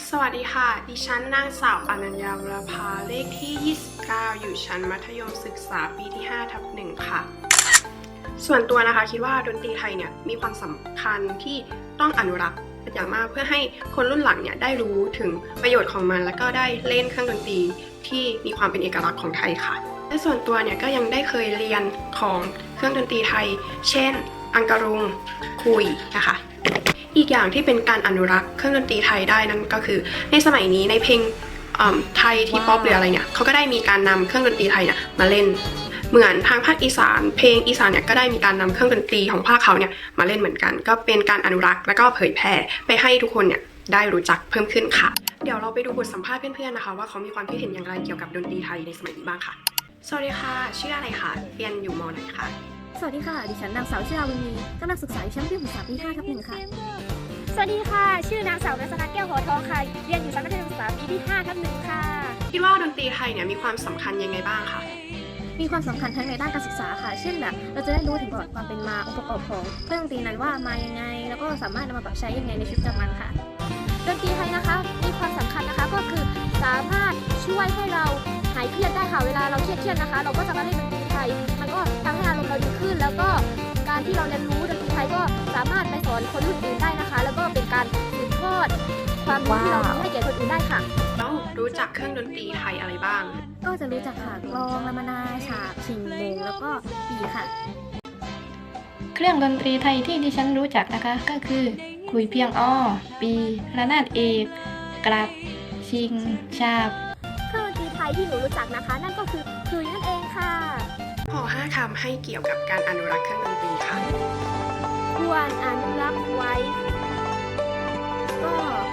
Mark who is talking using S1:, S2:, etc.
S1: สวัสดีค่ะ ดิฉันนางสาวอนัญญาวรภาเลขที่ 29 อยู่ชั้นมัธยมศึกษาปีที่ 5/1 ค่ะ ส่วนตัวนะคะคิดว่าดนตรีไทยเนี่ยมีความสำคัญที่ต้องอนุรักษ์เป็นอย่างมากเพื่อให้คนรุ่นหลังเนี่ยได้รู้ถึงประโยชน์ของมันแล้วก็ได้เล่นเครื่องดนตรีที่มีความเป็นเอกลักษณ์ของไทยค่ะและส่วนตัวเนี่ยก็ยังได้เคยเรียนของเครื่องดนตรีไทย เช่น อังกะรุงคุยนะคะอีกอย่างที่เป็นการอนุรักษ์เครื่องดนตรีไทยได้นั่นก็คือในสมัยนี้ในเพลงไทยที่ป๊อปหรืออะไรเนี่ยเขาก็ได้มีการนำเครื่องดนตรีไทยเนี่ยมาเล่นเหมือนทางภาคอีสานเพลงอีสานเนี่ยก็ได้มีการนำเครื่องดนตรีของภาคเขาเนี่ยมาเล่นเหมือนกันก็เป็นการอนุรักษ์และก็เผยแพร่ไปให้ทุกคนเนี่ยได้รู้จักเพิ่มขึ้นค่ะเดี๋ยวเราไปดูบทสัมภาษณ์เพื่อนๆนะคะว่าเขามีความคิดเห็นอย่างไรเกี่ยวกับดนตรีไทยในสมัยนี้บ้างค่ะสวัสดีค่ะชื่ออะไรคะเรียนอยู่ม.ไหนคะ
S2: สวัสดีค่ะ ดิฉันนางสาวชลาวินีกำลังศึกษาอยู่ชั้นปีศึกษาปี 5/1 ค่ะ
S3: สวัสดีค่ะ ชื่อนางสาวรัตนาแก้วหอทองค่ะ เรียนอยู่ชั้นมัธยมศึกษาปีที่ 5/1 ค่ะ
S1: คิดว่าดนตรีไทยเนี่ยมีความสำคัญยังไงบ้างคะ
S2: มีความสำคัญทั้งในด้านการศึกษาค่ะ เช่นแบบเราจะได้รู้ถึงประวัติความเป็นมาองค์ประกอบของเครื่องดนตรีนั้นว่ามายังไง แล้วก็สามารถนำมาปรับใช้ยังไงในชีวิตประจำวันค่ะ
S3: ดนตรีไทยนะคะมีความสำคัญนะคะก็คือสามารถช่วยให้เราหายเครียดได้ค่ะ เวลาเราเครียดนะคะ เราก็จะมาเล่นดนตรีไทย มันก็ทำให้อารมณ์เราดีขึ้น แล้วก็การที่เราเรียนรู้ดนตรีไทยก็สามารถไปสอนคนรุ่นอื่นได้นะคะ แล้วก็เป็นการสืบทอดความรู้ที่เรามีให้แก่คนอื่นได้ค่ะ
S1: แล้วรู้จักเครื่องดนตรีไทยอะไรบ้าง
S2: ก็จะรู้จักค่ะกลองลามนาฉาบชิงโมงแล้วก็ปีค่ะ
S4: เครื่องดนตรีไทยที่ดิฉันรู้จักนะคะก็คือขลุยเพียงอ้อปีระนาดเอกกลับชิงชาบ
S3: เครื่องดนตรีไทยที่หนูรู้จักนะคะ นั่นก็คือคลุยนั่นเองค่ะ
S1: ขอ5 คำให้เกี่ยวกับการอนุรักษ์เครื่องดนตรีค่ะ
S3: ควรอนุรักษ์ไว้
S2: ก็